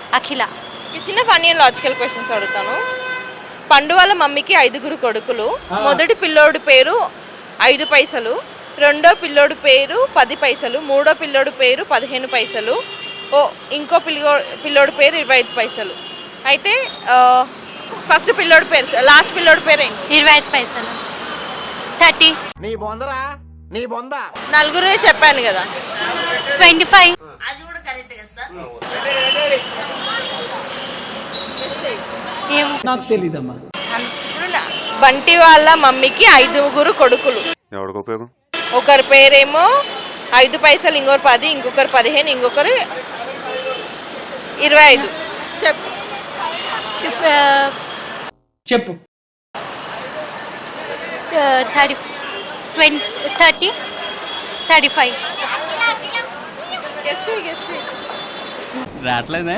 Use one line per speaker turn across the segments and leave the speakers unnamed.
అఖిల.
ఈ చిన్న funny and logical questions అడుగుతాను. పండు వాళ్ళ మమ్మీకి 5 కొడుకులు. మొదటి పిల్లోడి పేరు 5 పైసలు, రెండో పిల్లోడి పేరు 10 పైసలు, మూడో పిల్లోడి పేరు 15 పైసలు, ఇంకో పిల్లోడి పేరు 25 పైసలు. అయితే ఫస్ట్ పిల్లోడి పేరు, లాస్ట్ పిల్లోడి పేరు ఏంటి?
25 పైసలు. 30.
నీ బొందరా నీ బొంద.
నలుగురు చెప్పాను కదా.
25.
అది కూడా కరెక్ట్ కదా సార్?
నాకు తెలీదమ్మా.
ఇప్పుడు బంటి వాళ్ళ మమ్మీకి 5 కొడుకులు.
ఎవరికి ఉపయోగం?
ఒకరి పేరేమో 5 పైసలు, ఇంకొకరు 10, ఇంకొకరు 15, ఇంకొకరు 25. చెప్పు.
చెప్పు.
30, 35.
రావట్లేదే.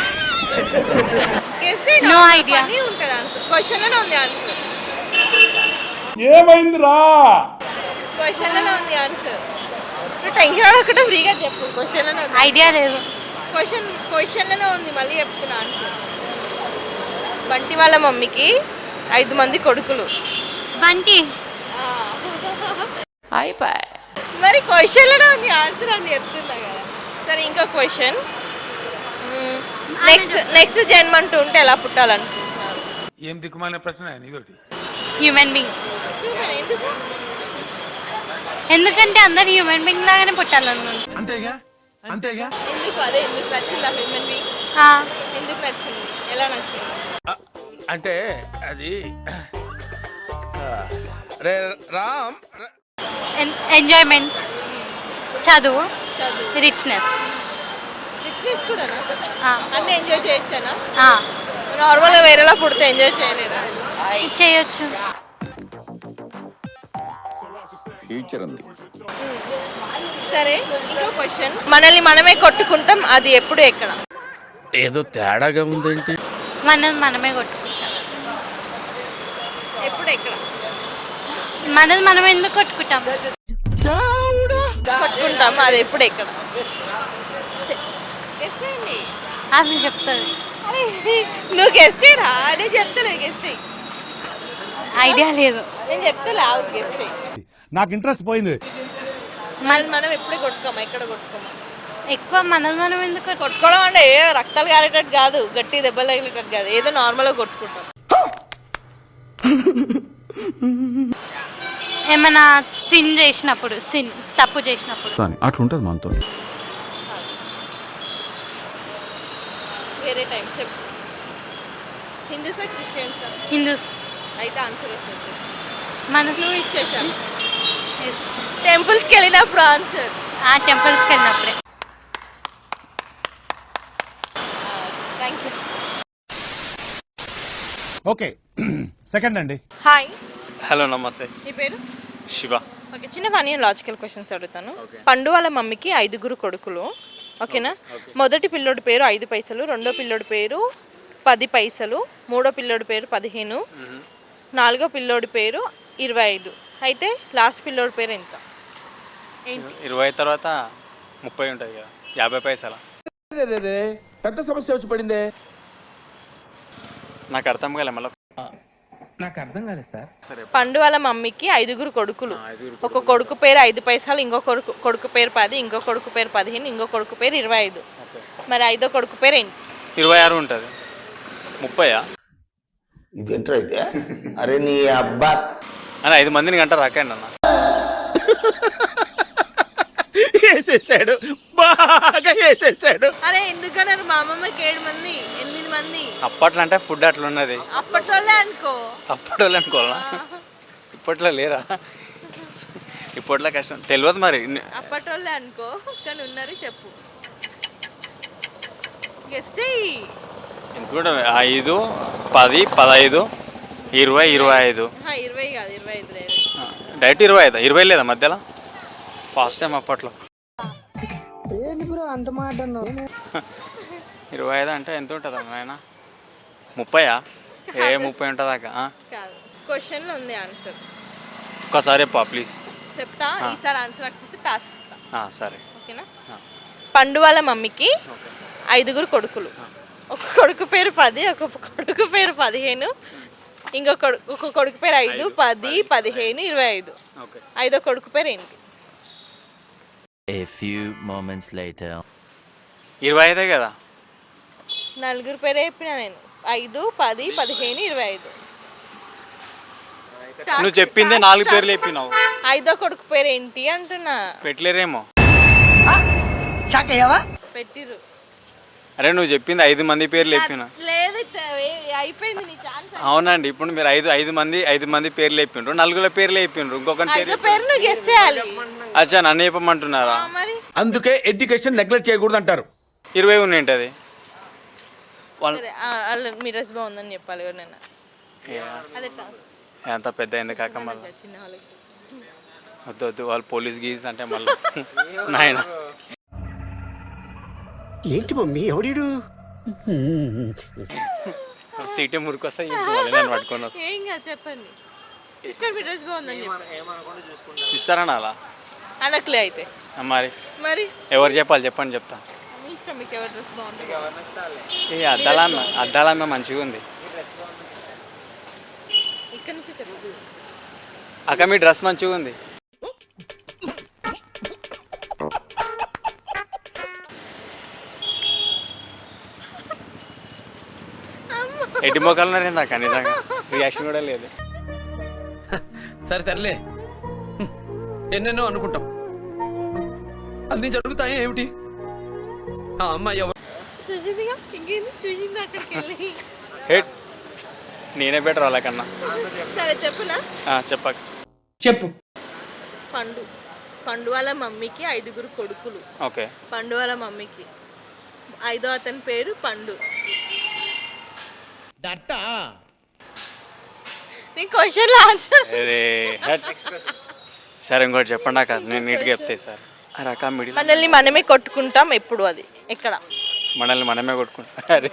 No idea.
క్వశ్చన్లోనే ఉంది ఆన్సర్.
ఏమైందిరా?
క్వశ్చన్లోనే ఉంది ఆన్సర్. నువ్వు టెన్షన్ అడగకుండా ఫ్రీగా చెప్పు. క్వశ్చన్లోనే ఉంది.
ఐడియా లేదు.
క్వశ్చన్లోనే ఉంది. మళ్ళీ చెప్తున్నా ఆన్సర్. బంటి వాళ్ళ మమ్మీకి 5 కొడుకులు.
బంటి.
అయిపోయి మరి క్వశ్చన్లోనే ఉంది ఆన్సర్ అని చెప్తున్నా కదా. సరే, ఇంకో క్వశ్చన్. నెక్స్ట్ జన్మ అంటూ ఉంటే ఎలా పుట్టాలనుకుంటున్నారు?
ఏం దిక్కుమాలిన ప్రశ్న ఇదొకటి.
Human being.
ఎందుకు?
ఎందుకంటే అందరు హ్యూమన్ బీయింగ్ లాగానే పుట్టాలనుకుంటున్నారు.
అంతేగా అంతేగా.
ఎందుకు? అదే ఎందుకు నచ్చింది ఆ హ్యూమన్ బీయింగ్? ఎందుకు నచ్చింది? ఎలా నచ్చింది?
అంటే అది రే రామ్.
ఎంజాయ్మెంట్, చదువు, రిచ్నెస్
కూడా అన్నీ ఎంజాయ్ చేయొచ్చానా?
నార్మల్గా
వేరేలా పుడితే ఎంజాయ్ చేయలేదా?
చేయొచ్చు.
సరే, ఇంకో క్వశ్చన్. మనల్ని మనమే కొట్టుకుంటాం, అది ఎప్పుడు ఎక్కడ?
ఏదో తేడాగా ఉందేంటి?
మనమే కొట్టుకుంటాం.
ఎప్పుడు ఎక్కడ?
మనం ఎందుకు కొట్టుకుంటాం?
కొట్టుకుంటాం, అది ఎప్పుడు ఎక్కడ?
అది చెప్తుంది.
నువ్వు గెస్ట్ చేయరా? నేను చెప్తాను, గెస్ట్ చేయి.
ఐడియా లేదు.
నేను చెప్తా, గెస్ట్ చేయి.
నాకు ఇంట్రెస్ట్ పోయింది.
మనం ఎప్పుడే కొట్టుకోమా? ఎక్కడ కొట్టుకోమా?
ఎక్కువ మనం ఎందుకు
కొట్టుకోవడం అంటే రక్తాలు కారేటట్టు కాదు, గట్టి దెబ్బలు తగిలేటట్టు కాదు, ఏదో నార్మల్గా కొట్టుకుంటాం.
ఏమైనా తప్పు చేసినప్పుడు
అట్లుంటది మనతో.
వేరే టైం చెప్పు. హిందూసా క్రిస్టియన్సా?
హిందూస్.
అయితే ఆన్సర్ వస్తుంది.
మనకు
ఇచ్చేసాను. టెంపుల్స్కి వెళ్ళినప్పుడు ఆన్సర్.
టెంపుల్స్కి వెళ్ళినప్పుడే.
Thank you.
ఓకే, సెకండ్ అండి.
హాయ్.
హలో, నమస్తే.
మీ పేరు?
శివ.
ఓకే, చిన్న ఫన్నీ అండ్ లాజికల్ క్వశ్చన్స్ అడుగుతాను. పండు వాళ్ళ మమ్మీకి 5 కొడుకులు. ఓకేనా? మొదటి పిల్లోడి పేరు 5 పైసలు, రెండో పిల్లోడి పేరు 10 పైసలు, మూడో పిల్లోడి పేరు 15, నాలుగో పిల్లోడి పేరు 25. అయితే లాస్ట్ పిల్లోడి పేరు ఎంత?
20 తర్వాత 30 ఉంటుంది కదా, 50 పైసలు.
పెద్ద సమస్య వచ్చి పడిందే.
నాకు అర్థం కాలే మళ్ళీ.
నాకు అర్థం కాలేదు సార్.
సరే.
పండు వాళ్ళ మమ్మీకి 5 కొడుకులు. ఒక కొడుకు పేరు 5 పైసలు, ఇంకో కొడుకు పేరు 10, ఇంకో కొడుకు పేరు 15, ఇంకో కొడుకు పేరు 25. మరి 5వ కొడుకు పేరు ఏంటి?
26 ఉంటుంది. 30.
ఇదేంట్రా అయితే? అరే నీ అబ్బా
అని 5 మందిని గంట రాకండి అన్న.
వేసేసాడు, బాగా వేసేసాడు.
అరే ఎందుకన్నారు? మా అమ్మమ్మకి 7 మంది, 8 మంది.
అప్పట్లో అంటే ఫుడ్ అట్లా ఉన్నది.
అప్పట్లోనే అనుకో.
అప్పట్లో అనుకోవాలా? ఇప్పట్లో లేరా? ఇప్పట్లో కష్టం, తెలియదు మరి.
అప్పట్లోనే అనుకో, కానీ ఉన్నారు. చెప్పు, గెస్ట్ చెయ్యి.
ఎంత కూడా 5, 10, 15, 20, 25.
20 కాదు, 25 లేదు.
డైరెక్ట్ 25. 20 లేదా మధ్యలో? ఫాస్ట్ టైం అప్పట్లో. 25 అంటే ఎంత ఉంటుంది నాయన? 30? 30 ఉంటుందాకా?
కాదు, క్వశ్చన్లో ఉంది ఆన్సర్.
ఒక్కసారి చెప్పా ప్లీజ్.
చెప్తా, ఈసారి ఆన్సర్ అనిపిస్తే టాస్క్ ఇస్తా.
సరే,
ఓకేనా? పండు వాళ్ళ మమ్మీకి 5 కొడుకులు. ఒక కొడుకు పేరు 10, ఒక కొడుకు పేరు 15, ఒక కొడుకు పేరు 5, 10, 15, 25.
ఓకే.
5వ కొడుకు పేరు ఏంటి?
A few moments later.
25 కదా.
నలుగురు పేరే చెప్పినా నేను. 5, 10, 15, 25.
నువ్వు చెప్పిందే 4 పేర్లు చెప్పినావు.
5వ కొడుకు పేరు ఏంటి అంటున్నా.
పెట్టలేరేమో.
పెట్టిరు.
అరే నువ్వు చెప్పింది 5 మంది పేర్లు చెప్పిన.
లేదు అయిపోయింది నీ ఛాన్స్.
అవునండి, ఇప్పుడు మీరు 5 మంది పేర్లు చెప్పిండ్రు, 4 పేర్లు చెప్పిండ్రు, ఇంకొక
5వ పేరు నువ్వు గెస్ చేయాలి.
అచ్చా నన్ను చెప్పమంటున్నారా?
మరి
అందుకే ఎడ్యుకేషన్ నెగ్లెక్ట్ చేయకూడదు అంటారు.
20 ఉన్నాయి.
సరే, మీ డ్రెస్ బాగుందని చెప్పాలి ఎవరినైనా. అదే
ఎంత పెద్ద అయింది కాక మళ్ళీ
చిన్న వాళ్ళకి.
వద్దు వాళ్ళు పోలీస్ గీస్ అంటే మళ్ళీ నాయన.
ఏంటి మమ్మీ ఎవడీడు?
సీటీ మురికొస్తాయి నేను పట్టుకొని వస్తాను.
ఏం కాదు చెప్పండి. సిస్టర్ మీ డ్రెస్ బాగుందని చెప్పండి.
సిస్టర్ అనాలా?
అనట్లే అయితే. మరి
ఎవరు చెప్పాలి చెప్పండి, చెప్తా.
మీ ఇష్టం, మీకు ఎవరి డ్రెస్ బాగుంటుంది.
ఈ అద్దాలమ్మ మంచిగా ఉంది.
ఇక్కడ నుంచి చెప్పు.
అక్క మీ డ్రెస్ మంచిగా ఉంది. ఎడ్డి మొక్కలు ఉన్నారు ఇందాక, నిజంగా రియాక్షన్ కూడా లేదు.
సరే తరలే, ఎన్నెన్నో అనుకుంటాం, అన్ని జరుగుతాయి ఏమిటి? ఆ అమ్మాయి
చూసిందిగా, ఇంకేంది చూసింది అక్కడికి వెళ్ళి.
హెడ్ నేనే బెటర్ వాళ్ళకన్నా.
సరే చెప్పునా?
చెప్పక
చెప్పు.
పండు వాళ్ళ మమ్మీకి 5 కొడుకులు.
ఓకే.
పండు వాళ్ళ మమ్మీకి 5వ అతని పేరు పండు. నీ క్వశ్చన్ ఆన్సర్.
సరే ఇంకోటి చెప్పండి అక్క, నేను నీట్గా చెప్తాయి సార్. అరే అక్క మిడిల్
మనల్ని మనమే కొట్టుకుంటాం ఎప్పుడు, అది ఎక్కడ?
మనల్ని మనమే కొట్టుకుంటాం. అరే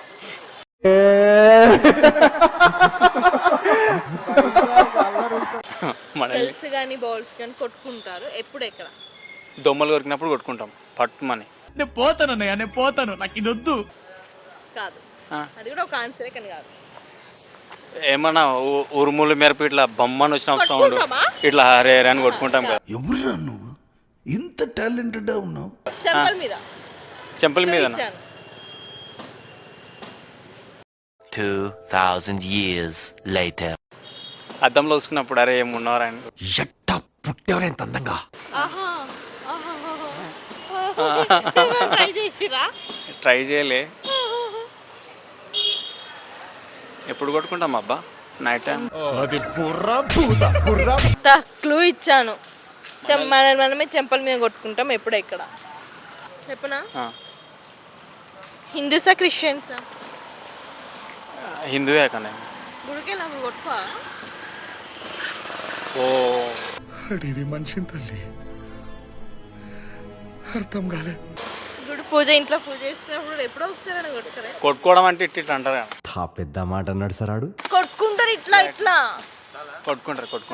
మనల్ని
సెల్స్ కానీ బౌల్స్ కానీ కొట్టుకుంటారు ఎప్పుడు, ఎక్కడ?
దొమ్మలు కొరికినప్పుడు కొట్టుకుంటాం పట్టుమని.
నేను పోతాను, నాకు ఇది వద్దు.
కాదు, అది కూడా ఒక ఆన్సరే కానీ కాదు.
ఏమన్నా ఉరుములు మెరుపు ఇట్లా బొమ్మని వచ్చిన సౌండ్
కొట్టుకుంటామా?
ఇట్లా హరే అని కొట్టుకుంటాం కదా.
ఎవరురా నువ్వు ఇంత టాలెంటెడ్ ఉన్నావు?
చెంపల మీద
మీద
2000 years later.
అద్దంలో చూసుకున్నప్పుడు అరే ఏమున్నారా అని.
ఎట్టా పుట్టేవరా ఇంత అందంగా?
ట్రై చేసిరా?
ట్రై చేయలే. ఎప్పుడు కొట్టుకుంటాం అబ్బా నైట్ టైం.
క్లూ ఇచ్చాను. మనమే చెంపల మీద కొట్టుకుంటాం ఎప్పుడు, ఎక్కడ చెప్పనా? హిందూసా క్రిస్టియన్సా?
హిందూయే కానీ.
గుడికెళ్ళి కొట్టుకో.
ఓ
మనిషిని తల్లి అర్థం కాలే.
గుడి పూజ, ఇంట్లో పూజ చేసుకున్నప్పుడు ఎప్పుడో ఒకసారి కొట్టుకోరే.
కొట్టుకోవడం అంటే ఇట్లా అంటారు కదా.
పెద్ద మాట అన్నాడు సరాడు.
కొట్టుకుంటారు ఇట్లా
కొట్టుకుంటారు.